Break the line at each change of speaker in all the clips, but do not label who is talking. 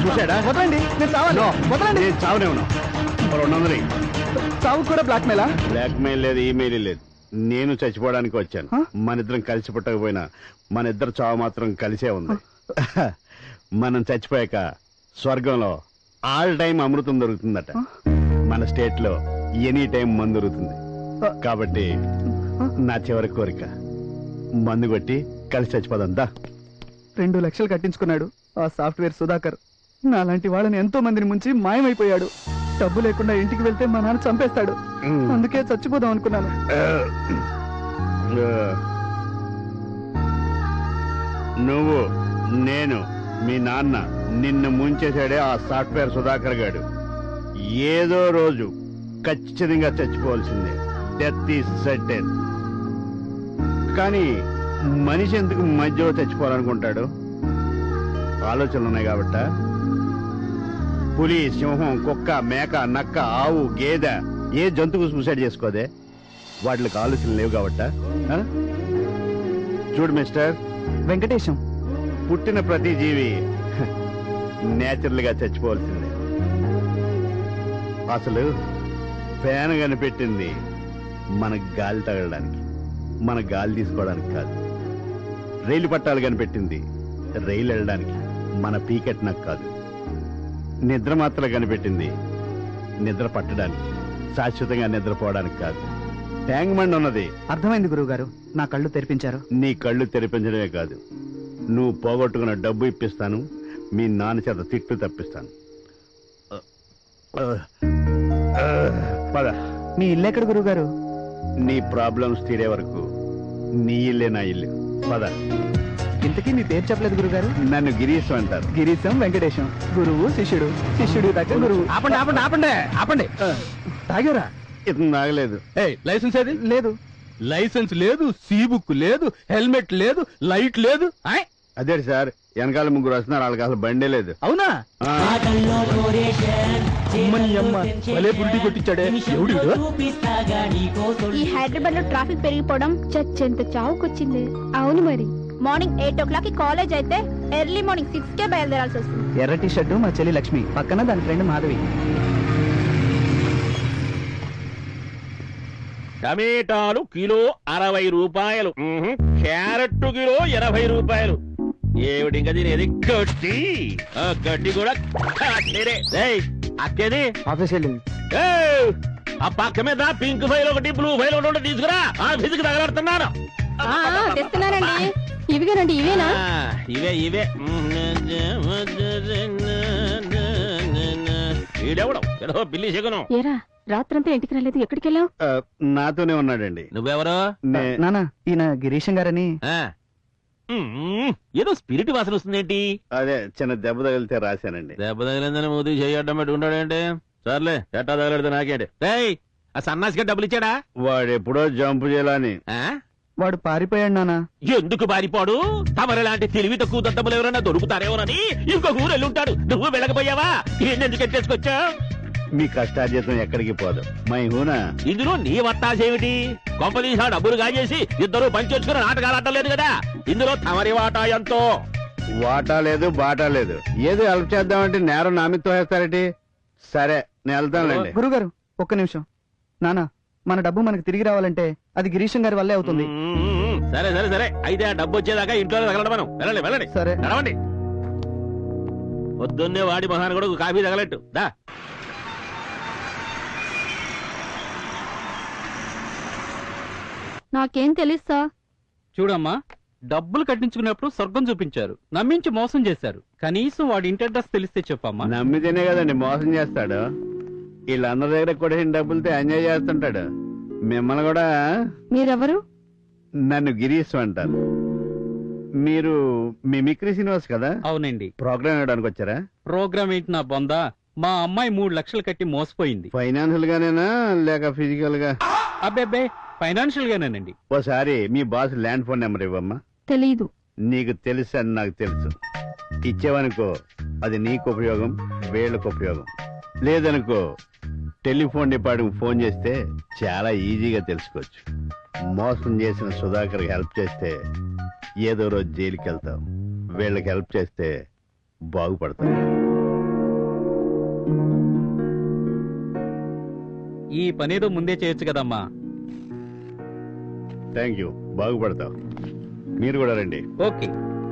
వదలండి, నేను చావాలి. వదలండి.
నేను చావనే ఉన్నా. 200
చావు కూడా బ్లాక్ మెయిలా?
బ్లాక్ మెయిల్ లేదు, ఈమెయిల్ లేదు. నేను చచ్చిపోవడానికి వచ్చాను. మన ఇద్దరం కలిసి పుట్టకపోయినా మన ఇద్దరు చావు మాత్రం కలిసే ఉంది. మనం చచ్చిపోయాక స్వర్గంలో ఆల్ టైం అమృతం దొరుకుతుందట. మన స్టేట్ లో ఎనీ టైం మందు దొరుకుతుంది. కాబట్టి నా చివరి కోరిక మందు కొట్టి కలిసి చచ్చిపోదంతా.
2 లక్షలు కట్టించుకున్నాడు ఆ సాఫ్ట్వేర్ సుధాకర్. నాలాంటి వాళ్ళని ఎంతో మందిని ముంచి మాయమైపోయాడు. డబ్బు లేకుండా ఇంటికి వెళ్తే మా నాన్న చంపేస్తాడు. అందుకే చచ్చిపోదాం అనుకున్నాను.
నువ్వు, నేను, మీ నాన్న నిన్ను ముంచేశాడే ఆ సాఫ్ట్వేర్ సుధాకర్ గాడు. ఏదో రోజు ఖచ్చితంగా చచ్చిపోవాల్సిందే. Death is certain. కానీ మనిషి ఎందుకు మధ్యలో చచ్చిపోవాలనుకుంటాడు? ఆలోచనలు ఉన్నాయి కాబట్ట. పులి, సింహం, కుక్క, మేక, నక్క, ఆవు, గేదె ఏ జంతువు సూసైడ్ చేసుకోదే? వాటికి ఆలోచనలు లేవు కాబట్ట. చూడు మిస్టర్
వెంకటేశం,
పుట్టిన ప్రతి జీవి నేచురల్ గా చచ్చిపోవాల్సిందే. అసలు ఫ్యాన్ కనిపెట్టింది మన గాలి తగలడానికి, మన గాలి తీసుకోవడానికి కాదు. రైలు పట్టాలు కనిపెట్టింది రైలు వెళ్ళడానికి, మన పీకెట్ నాకు కాదు. నిద్ర మాత్రలు కనిపెట్టింది నిద్ర పట్టడానికి, శాశ్వతంగా నిద్రపోవడానికి కాదు. ట్యాంక్ బండ్ ఉన్నది.
అర్థమైంది గురువు గారు, నా కళ్ళు తెరిపించారు.
నీ కళ్ళు తెరిపించడమే కాదు, నువ్వు పోగొట్టుకున్న డబ్బు ఇప్పిస్తాను, మీ నాన్న చేత తిట్టు తప్పిస్తాను. పద.
మీ ఇల్లు ఎక్కడ గురువు గారు?
నీ ప్రాబ్లమ్స్ తీరే వరకు నీ ఇల్లే నా ఇల్లు. పద.
ఇంతకీ మీ పేరు చెప్పలేదు గురుగారు.
నన్ను గిరీశం అంటారు.
గిరీశం వెంకటేశం. గురువు శిష్యుడు, శిష్యుడి దగ్గర గురువు.
ఆపండి ఆపండి ఆపండి ఆపండి. తాగారా?
ఇతను తాగలేదు.
లైసెన్స్ ఏది?
లేదు.
లైసెన్స్ లేదు, సీ బుక్ లేదు, హెల్మెట్ లేదు, లైట్ లేదు.
అదే సార్, వెనకాల ముగ్గురు వస్తున్నారు, వాళ్ళకి అసలు బండే లేదు.
అవునా? భలే బుల్టీ కొట్టించాడే. ఎవడు?
ఈ హైదరాబాద్ లో ట్రాఫిక్ పెరిగిపోవడం చచ్చెంత చావుకొచ్చింది. అవును మరి. మార్నింగ్ 8 o'clock కాలేజ్ అయితే ఎర్లీ మార్నింగ్ 6 బయలుదేరాల్సి వస్తుంది.
ఎర్ర టీ షర్టు మా చెల్లి లక్ష్మి, పక్కన దాని ఫ్రెండ్ మాధవి.
టమేటాలు కిలో 60 రూపాయలు, క్యారెట్ కిలో 80 రూపాయలు. ఏమిటి ఇంకా తినేది? గడ్డి. గడ్డి కూడా అక్కేది
ఆఫీస్ వెళ్ళింది.
ఆ పక్క మీద పింక్ ఫైల్ ఒకటి, బ్లూ ఫైల్ ఒకటి తీసుకురా. ఫిజిక్ తగలడుతున్నాను.
తెస్తున్నానండి. ఇవిగానండి. ఇవేనా?
ఇవే ఇవే. ఈడెవడం ఏదో బిల్లి చెగను.
ఏరా, రాత్రంతా ఇంటికి రాలేదు, ఎక్కడికి వెళ్ళావు?
నాతోనే ఉన్నాడండి.
నువ్వెవరో?
నానా, ఈయన గిరీశం గారని.
ఏదో స్పిరిట్ వాసన వస్తుందేంటి?
అదే చిన్న దెబ్బ తగిలితే రాశానండి.
దెబ్బ తగిలిందని మూతి చేయడం పెట్టుకుంటాడేంటి? సర్లే, ఎట్టా తగలడితే నాకేంటి? ఆ సన్నాసిగా డబ్బులు ఇచ్చాడా?
వాడు ఎప్పుడో జంపు చేయాలని.
వాడు పారిపోయాడు నానా.
ఎందుకు పారిపోడు? తమరి లాంటి తెలివి తక్కువ దద్దములు ఎవరైనా దొరుకుతారేమోనని ఇంకొక ఊరు వెళ్ళుంటాడు. నువ్వు వెళ్ళకపోయావా? ఎందుకు ఎట్టేసుకొచ్చా?
మీ కష్టార్జితం ఎక్కడికి పోదు. మై హూనా.
ఇందులో నీ వత్తాసేమిటి? కొంపదీసా డబ్బులు కాజేసి ఇద్దరు పంచొచ్చుకుని నాటకాలు ఆడలేదు కదా. ఇందులో తమరి వాటా ఎంతో?
వాటా లేదు, బాటా లేదు. ఏదో హెల్ప్ చేద్దామంటే నేరం నా మీద తోసేస్తారేటి? సరే, నేను వెళ్తానులేండి.
గురుగారు, ఒక్క నిమిషం. నానా, మన డబ్బు మనకు తిరిగి రావాలంటే అది గిరీశం గారి వల్లే అవుతుంది.
సరే సరే సరే, అయితే ఆ డబ్బు వచ్చేదాకా ఇంట్లో తగలడం. మనం వెళ్ళండి వెళ్ళండి.
సరే
నడవండి. పొద్దున్నే వాడి మహాన్ కూడా కాఫీ తగలట్టు దా.
నాకేం తెలుసా?
చూడమ్మా, డబ్బులు కట్టించుకున్నప్పుడు స్వర్గం చూపించారు, నమ్మించి మోసం చేశారు. కనీసం వాడి ఇంటి అడ్రస్ తెలిస్తే చెప్పమ్మా.
నమ్మితేనే కదండి మోసం చేస్తాడు. వీళ్ళందరి దగ్గర కూడా డబ్బులతో ఎంజాయ్ చేస్తుంటాడు. మిమ్మల్ని కూడా.
మీరెవరు?
నన్ను గిరీశ్ అంటారు. మీరు మిమిక్రీ శ్రీనివాస్ కదా?
అవునండి.
ప్రోగ్రామ్ ఇవ్వడానికి వచ్చారా?
ప్రోగ్రామ్ ఏంటి నా బొందా? మా అమ్మాయి 3 లక్షలు కట్టి మోసపోయింది.
ఫైనాన్షియల్ గానేనా లేక ఫిజికల్ గా?
అబ్బే, ఫైనాన్షియల్ గానేనండి.
ఓసారి మీ బాస్ ల్యాండ్ ఫోన్ నెంబర్ ఇవ్వమ్మా.
తెలీదు.
నీకు తెలుసు అని నాకు తెలుసు. ఇచ్చేవనుకో అది నీకు ఉపయోగం, వీళ్ళకు ఉపయోగం. లేదనుకో టెలిఫోన్ డిపార్ట్మెంట్ ఫోన్ చేస్తే చాలా ఈజీగా తెలుసుకోవచ్చు. మోసం చేసిన సుధాకర్ హెల్ప్ చేస్తే ఏదో రోజు జైలుకి వెళ్తాం. వీళ్ళకి హెల్ప్ చేస్తే బాగుపడతాం.
ఈ పనేదో ముందే చేయొచ్చు కదమ్మా.
థ్యాంక్ యూ, బాగుపడతావు. మీరు కూడా రండి.
ఓకే.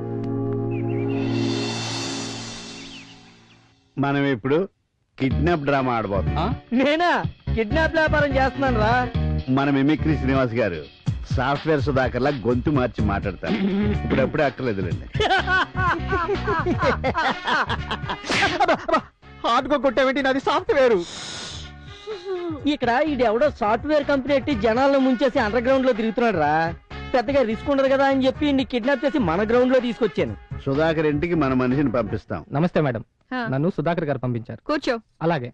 మనం ఇప్పుడు కిడ్నాప్ డ్రామా ఆడబోతున్నాం.
నేనా కిడ్నాప్ వ్యాపారం చేస్తున్నాను రా.
మన మిమిక్రీ శ్రీనివాస్ గారు సాఫ్ట్వేర్ సుధాకర్లా గొంతు మార్చి మాట్లాడతారు. ఇప్పుడప్పుడే అక్కర్లేదులేండి.
హార్డ్ గా కొట్టావేంటి? నాది సాఫ్ట్వేర్. ఇక్కడ ఇది ఎవడో సాఫ్ట్వేర్ కంపెనీ ఎట్టి జనాలను ముంచేసి అండర్ గ్రౌండ్ లో తిరుగుతున్నాడు రా. పెద్దగా రిస్క్ ఉండదు కదా అని చెప్పి నీ కిడ్నాప్ చేసి మన గ్రౌండ్ లో తీసుకొచ్చాను.
సుధాకర్ ఇంటికి మన మనిషిని పంపిస్తాం.
నమస్తే మేడం, నన్ను సుధాకర్ గారు పంపించారు.
కూర్చో.
అలాగే.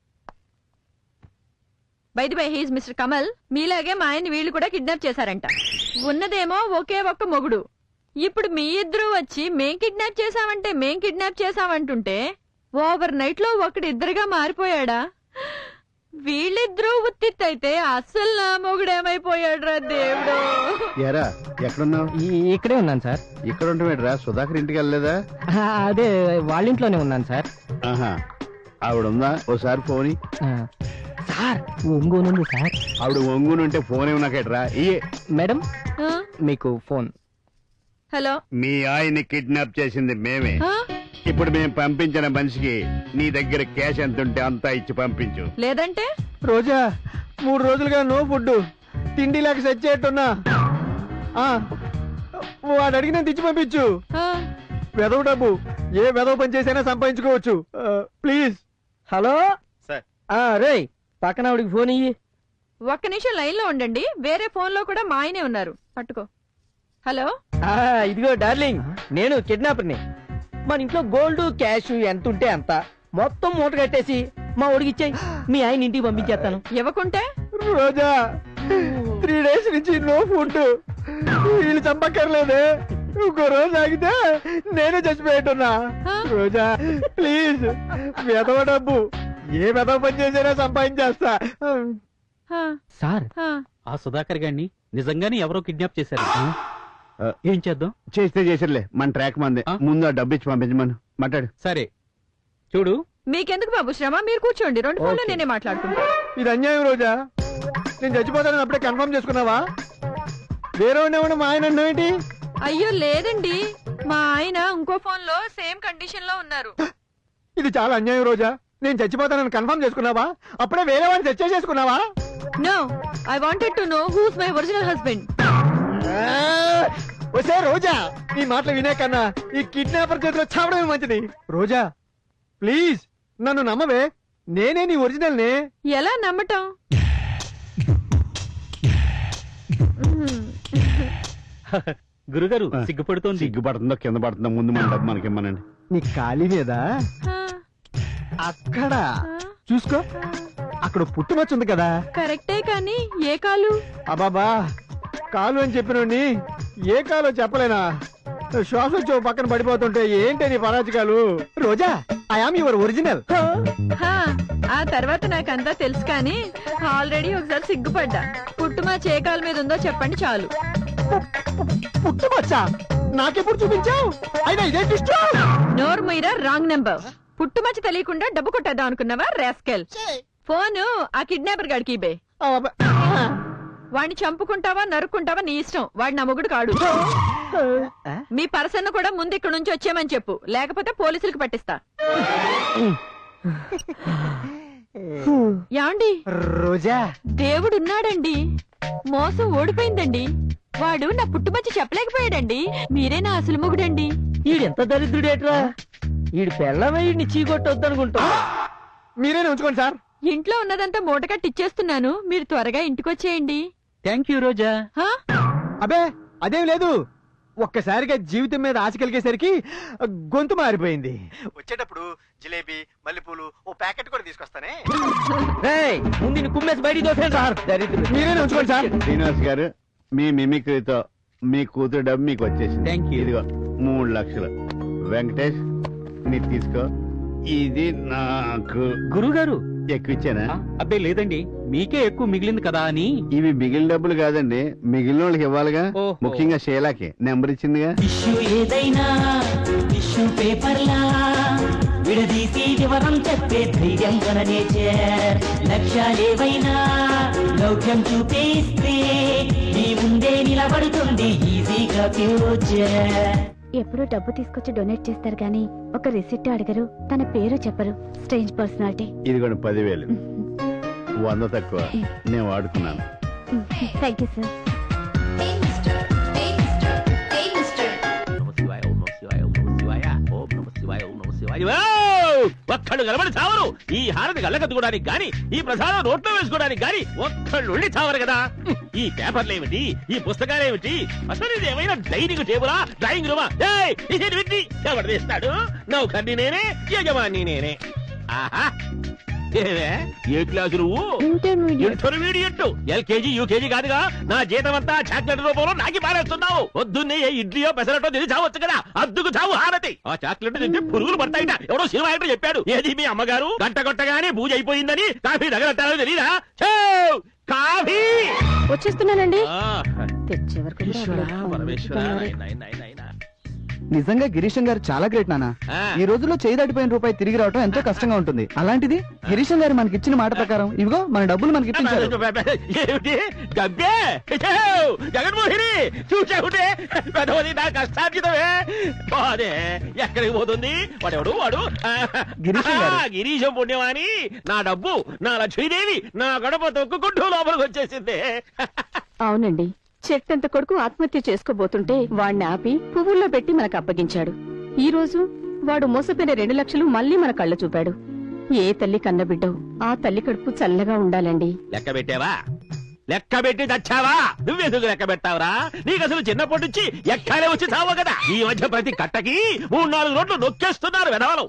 By the by, he's mister Kamal. మీలాగే మా ఆయన్ని వీళ్ళు కూడా కిడ్నాప్ చేశారంట. ఉన్నదేమో ఒకే ఒక్క మొగుడు. ఇప్పుడు మీ ఇద్దరు వచ్చి మేం కిడ్నాప్ చేసామంటుంటే ఓవర్ నైట్ లో ఒకడిద్దరుగా మారిపోయాడా? వీళ్ళిద్దరూ ఉత్తిత్తైతే అస్సలు నా మొగుడేమైపోయాడు రా దేవుడు.
ఎరా ఎక్కడున్నావు?
ఇక్కడే ఉన్నాను సార్.
ఇక్కడ ఉంటావేట్రా? సుధాకర్ ఇంటికి వెళ్ళలేదా?
అదే వాళ్ళ ఇంట్లోనే ఉన్నాను సార్.
ఆహా, ఆవిడుందా? ఓసారి ఫోన్
సార్. ఒంగోనుంది సార్.
ఆవిడ ఒంగునుంటే ఫోన్ ఏమన్నాకేట్రా? ఇయే
మేడం
ఆ?
మీకు ఫోన్.
హలో.
మీ ఆయన్ని కిడ్నాప్ చేసింది మేమే.
ఆ?
ఇప్పుడు మేము పంపించిన మనిషికి నీ దగ్గర క్యాష్ ఎంత ఉంటే అంతా ఇచ్చి పంపించు.
లేదంటే
రోజా 3 రోజులుగా నో ఫుడ్, తిండి లేక సెట్ చేయట్టున్నా. వాడు అడిగిన తెచ్చి పంపించు.
ఆ?
వెదవ డబ్బు ఏ వెదవ పని చేసైనా సంపాదించుకోవచ్చు. ప్లీజ్. Hello
sir.
రే పక్కన ఆవిడికి ఫోన్ ఇయ్యి.
ఒక్క నిమిషం లైన్ లో ఉండండి. వేరే ఫోన్ లో కూడా మా ఆయనే ఉన్నారు. పట్టుకో. హలో.
ఇదిగో డార్లింగ్, నేను కిడ్నాపర్ని. మన ఇంట్లో గోల్డ్ క్యాష్ ఎంత ఉంటే అంత మొత్తం మూట కట్టేసి మా ఒడికి ఇచ్చాయి. మీ ఆయన ఇంటికి పంపించేస్తాను.
ఇవ్వకుంటే
రోజా 3 days నుంచి నో ఫుడ్. వీళ్ళు చంపక్కర్లేదే. ఇంకో రోజు ఆగితే నేనే చచ్చిపోయేట్టున్నా.
ఆ?
రోజా ప్లీజ్, వెదవ డబ్బు ఏ వెదవ పని చేసినా సంపాదించేస్తా.
ఆ,
సార్,
ఆ.
ఆ సుధాకర్ గారిని నిజంగానే ఎవరో కిడ్నాప్ చేశారు. ఏం చేద్దాం?
చేస్తే చేసిర్లే, మన ట్రాక్ మందే.
ఆ?
ముందు ఆ డబ్బు ఇచ్చి పంపించమను. మాట్లాడు.
సరే చూడు,
మీకెందుకు బాబు శ్రమ? మీరు కూర్చోండి. 2 ఫోన్లు
ఓకే.
నేనే మాట్లాడుకుంటా.
ఇది అన్యాయం రోజా. నేను చచ్చిపోతానని అప్పుడే కన్ఫర్మ్ చేసుకున్నావా? వేరే ఉండేవాడు మా ఆయన అన్నావేంటి?
అయ్యో లేదండి, మా ఆయన ఇంకో ఫోన్ లో సేమ్ కండిషన్ లో ఉన్నారు.
ఇది చాలా అన్యాయం రోజా. నేను చచ్చిపోతానని కన్ఫర్మ్ చేసుకున్నావా? అప్పుడే వేరే వాడిని సెట్ చేసుకున్నావా?
No, I wanted to know who's my original husband.
వసే రోజా, ఈ మాటలు వినే కన్నా ఈ కిడ్నాపర్ చేతిలో చావడమే మంచిది. రోజా ప్లీజ్ నన్ను నమ్మవే, నేనే నీ ఒరిజినల్ నే.
ఎలా నమ్మటం?
గురుగారు సిగ్గుపడుతోంది.
సిగ్గుపడుతుందో కింద పడుతుందో ముందు మన డబ్బు మనకి ఇమ్మనండి.
నీ ఖాళీ మీద
ఆ,
అక్కడ
ఆ,
చూసుకో, అక్కడ పుట్టుమచ్చుంది కదా.
కరెక్టే కానీ ఏ కాలు?
అబాబా, కాలు అని చెప్పినోడిని ఏ కాలో చెప్పలేనా? శ్వాస వచ్చి ఓ పక్కన పడిపోతుంటే ఏంటి నీ పరాజకాలు? Roja, I am your original.
హా, ఆ తర్వాత నాకంతా తెలుసు కానీ ఆల్రెడీ ఒకసారి సిగ్గుపడ్డా. పుట్టుమా చే కాలు మీద ఉందో చెప్పండి చాలు.
పుట్టుమచ్చా నాకెప్పుడు చూపించావు? అయినా ఇదే ట్విస్ట్.
నోరు మీరా, రాంగ్ నెంబర్. పుట్టుమచ్చ తెలియకుండా డబ్బు కొట్టేద్దాం అనుకున్నావా రాస్కెల్? ఫోను ఆ కిడ్నాపర్ గాడికి ఇబే. వాడిని చంపుకుంటావా నరుక్కుంటావా నీ ఇష్టం. వాడు నా మొగుడు కాడు. మీ పర్సన్ కూడా ముందు ఇక్కడ నుంచి వచ్చేయమని చెప్పు, లేకపోతే పోలీసులకు పట్టిస్తా. యాండి
రోజా,
దేవుడున్నాడండి, మోసం ఓడిపోయిందండి. వాడు నా పుట్టుమచ్చ చెప్పలేకపోయాడండి. మీరే నా అసలు మొగుడండి.
ఈడెంత దరిద్రుడేట్రా. ఈడు పెళ్ళమే ఈడిని చీకొట్టొద్దనుకుంటా. మీరేనే ఉంచుకోండి సార్.
ఇంట్లో ఉన్నదంతా మూట కట్టిచ్చేస్తున్నాను, మీరు త్వరగా ఇంటికొచ్చేయండి.
థ్యాంక్ యూ రోజా.
హా?
అబే అదేం లేదు, ఒక్కసారిగా జీవితం మీద ఆశ కలిగేసరికి గొంతు మారిపోయింది. వచ్చేటప్పుడు జిలేబీ మల్లెపూలు ఓ ప్యాకెట్ కూడా తీసుకొస్తానే. ముందు కుమ్మేసి బయటికి దోసేయండి సార్. మీరేనే ఉంచుకోండి సార్.
శ్రీనివాస్ గారు, మీ మిమిక్రీతో మీ కూతురు డబ్బు మీకు వచ్చేసింది.
Thank you.
ఇదిగో 3 లక్షలు. వెంకటేష్ నీకు తీసుకో. ఇది నాకు
గురుగారు
ఎక్కువ ఇచ్చానా?
అబ్బే లేదండి, మీకే ఎక్కువ మిగిలింది కదా అని.
ఇవి మిగిలిన డబ్బులు కాదండి, మిగిలిన వాళ్ళకి ఇవ్వాలిగా.
ఓహో.
ముఖ్యంగా షేలాకి నెంబర్ ఇచ్చిందిగా.
టిష్యూ ఏదైనా టిష్యూ పేపర్లా విడదీసి వివరం చెప్పే ధైర్యం గల నేచర్. లక్ష్యాలేవైనా లౌక్యం చూపిస్తే నీ ముందే నిలబడుతుంది ఈజీగా ఫ్యూచర్.
ఎప్పుడు డబ్బు తీసుకొచ్చి డొనేట్ చేస్తారు కానీ ఒక రిసిప్ట్ అడగరు, తన పేరు చెప్పరు. Strange personality.
ఇదిగోండి 10,000. 100 తక్కువ నేను వాడుకున్నాను.
Thank you sir.
ఒక్కళ్ళు కలబడి చావరు. ఈ హారతి గల్లకత్తుకోవడానికి గాని, ఈ ప్రసాదం నోట్లో వేసుకోవడానికి గాని ఒక్కళ్ళు ఉండి చావరు కదా. ఈ పేపర్లు ఏమిటి, ఈ పుస్తకాలు ఏమిటి, అసలు ఇది ఏమైనా డైనింగ్ టేబులా, డ్రాయింగ్ రూమా? ఎవరు తీస్తాడు? నౌకర్ని నేనే, యజమాని నేనే. ఆహా, ఏవే ఏ క్లాసు నువ్వు? ఇంటర్మీడియట్. ఎల్కేజీ యూకేజీ కాదుగా. నా జీతం అంతా చాక్లెట్ రూపంలో నాకి పారేస్తున్నావు. పొద్దున్నే ఏ ఇడ్లీయో పెసరటో తిని చావచ్చు కదా. అద్దుకు చావు హారతి. ఆ చాక్లెట్ తింటే పురుగులు పడతాయిట. ఎవడో సినిమా యాక్టర్ చెప్పాడు. ఏది మీ అమ్మగారు గంట కొట్టగానే పూజ అయిపోయిందని కాఫీ దగ్గర తెలీదా? కాఫీ
వచ్చేస్తున్నానండి.
తెచ్చే వరకు
నిజంగా గిరీశం గారు చాలా గ్రేట్ నాన్న. ఈ రోజుల్లో చేయి దాటిపోయిన రూపాయి తిరిగి రావడం ఎంతో కష్టంగా ఉంటుంది. అలాంటిది గిరీశం గారు మనకి ఇచ్చిన మాట ప్రకారం ఇవిగో మన డబ్బులు మనకి ఇప్పించారు.
ఏమిటి గబ్బే? జగన్మోహిని చూసావుంటే పెద్దది నా కష్టార్జితమే. బాదే ఎక్కడికి పోతుంది? వాడెవడు వాడు? గిరీశం పుణ్యమాని నా డబ్బు, నా లక్ష్మీదేవి నా గడప తొక్కుకుంటూ లోపలికి వచ్చేసింది.
అవునండి, చెట్టంత కొడుకు ఆత్మహత్య చేసుకోబోతుంటే వాణ్ణి ఆపి పువ్వుల్లో పెట్టి మనకు అప్పగించాడు. ఈ రోజు వాడు మోసపోయిన 2 లక్షలు మళ్ళీ మన కళ్ళ చూపాడు. ఏ తల్లి కన్నబిడ్డో ఆ తల్లి కడుపు చల్లగా ఉండాలండి.
లెక్క పెట్టావా? లెక్క పెట్టి చచ్చావా? నువ్వెందుకు లెక్క పెట్టావరా? నీకు అసలు చిన్నప్పటి నుంచి ఎక్కాలే వచ్చి చావు కదా. ఈ మధ్య ప్రతి కట్టకి 3-4 రోడ్లు నొక్కేస్తున్నారు వెధవలు.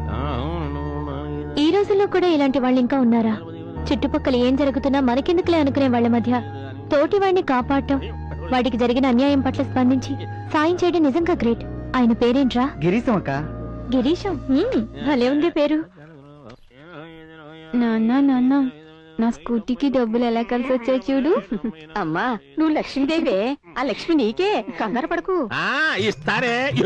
ఈ రోజుల్లో కూడా ఇలాంటి వాళ్ళు ఇంకా ఉన్నారా? చుట్టుపక్కల ఏం జరుగుతున్నా మనకెందుకులే అనుకునే వాళ్ళ మధ్య తోటి వాడిని కాపాడటం, వాడికి జరిగిన అన్యాయం పట్ల స్పందించి సాయం చేయడం నిజంగా గ్రేట్. ఆయన పేరేంట్రా?
గిరీశం అక్క.
గిరీశం. భలే ఉంది పేరు. నాన్న నా స్కూటీకి డబ్బులు ఎలా కలిసి వచ్చాయి చూడు.
అమ్మా, నువ్వు లక్ష్మీదేవే. ఆ లక్ష్మి నీకే, కంగారు పడకు.
ఇస్తారే